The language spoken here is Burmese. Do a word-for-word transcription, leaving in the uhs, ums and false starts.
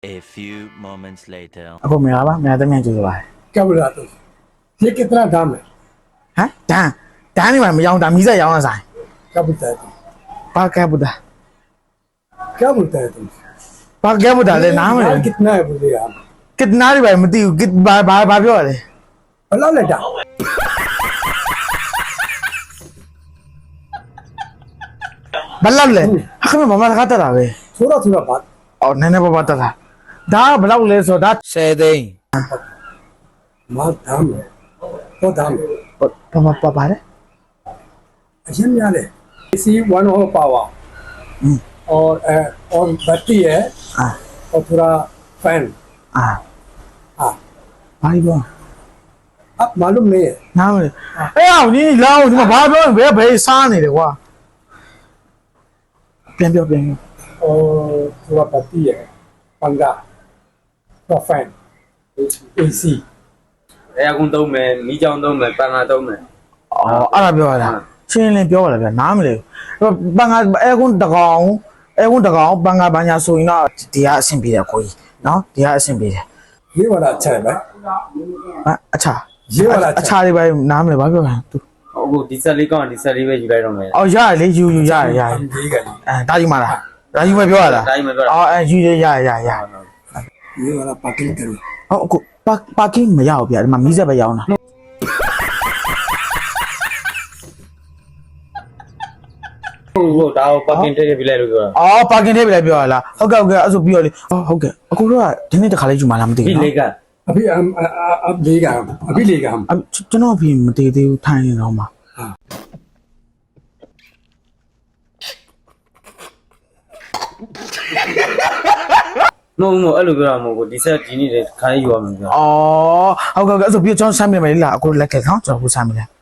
A few moments later. အခုမရပါမရတဲ့မြန်ကြည့်ပါ क्या बोल रहा तुम ये कितना दाम है ဟမ်တန်းတန်းနေမှာမရောင်းတာမီးစက်ရောင်းတာဆိုင် क्या बोलता है तुम ဘာကဲဘူးတာ क्या बोलता है तुम ဘာကဲဘူးတာလဲနားမလဲ माल कितना है बोले आप ကစ်နားတွေပဲမသိဘူးကစ်ဘာဘာဘာပြောရလဲ भला लेटा ဘယ်လောက်လဲအခမမမတခါတက်တာပဲ थोड़ा थोड़ा बात အော်နည်းနည်းပါးပါးတက်တာဒါကဘယ်လောက်လဲဆိုတော့ဒါ 10သိန်း माल दाम है वो दाम है ဘာဘာဘာပါလဲ अजम यार है इसी वन हो पावा और ए, और बैटरी है အာ और थोड़ा फैन အာ हाँ ဘာပြော अब मालूम नहीं है နားမလဲအဲ့အောင်ဒီလောင်းဒီမှာဘာပြောဘယ်ဘယ်စားနေတယ်ကွာပြန်ပြောပြန်ပြော और थोड़ा बैटरी है पंगा थोड़ा फैन एसी အဲအကုန်သုံးမယ်မိကြောင်သုံးမယ်ပန်ငါသုံးမယ်အော်အဲ့ဒါပြောရတာချင်းလင်းပြောရတာဗျာနားမလဲပန်ကအဲကွန်းတကောင်အဲကွန်းတကောင်ပန်ကဘာညာဆိုရင်တော့ဒီကအဆင်ပြေတယ်ကိုကြီးနော်ဒီကအဆင်ပြေတယ် ये वाला अच्छा है भाई ဟာအချာ ये वाला အ अच्छा ချာလေးပဲနားမလဲဘာပြောလဲသူအခုဒီဆက်လေးကောင်းဒီဆက်လေးပဲယူလိုက်တော့မယ်အော်ရတယ်လေယူယူရရရ है ठीक है အဲဒါယူမလားဒါယူမပြောရလားဒါကြီးမပြောတာအော်အဲယူရရရရ ये वाला पार्किंग करो ဟောအခုပါပါကင်းမရဘူးဗျာဒီမှာမီးစက်ပဲရောင်းတာဟုတ်ဟုတ်ဒါကိုပတ်ကင်ထည့်ထည့်ပြလိုက်လို့ပြောတာအော်ပါကင်းထဲပဲပြောရလားဟုတ်ကဲ့ဟုတ်ကဲ့အဲ့ဆိုပြီးတော့လေဟုတ်ကဲ့အခုတော့ဒီနေ့တခါလေးယူမလားမသိဒီဘူးလေးနော်က अभी हम अब लेगा हम अभी लेगा हम ကျွန်တော်ပြင်မတည်သေးဘူးထိုင်နေတော့မှာမဟုတ်မဟုတ်အဲ့လိုပြောတာမဟုတ်ဘူးဒီဆက်ဒီနေ့တည်းခိုင်းယူရမယ်ပြောအော်ဟုတ်ကဲ့ဟုတ်ကဲ့အဲ့ဆိုပြီးတော့ကျွန်တော်ဆမ်းပြမယ်လေလားအခုလက်ကဲနော်ကျွန်တော်ခုဆမ်းပြမယ်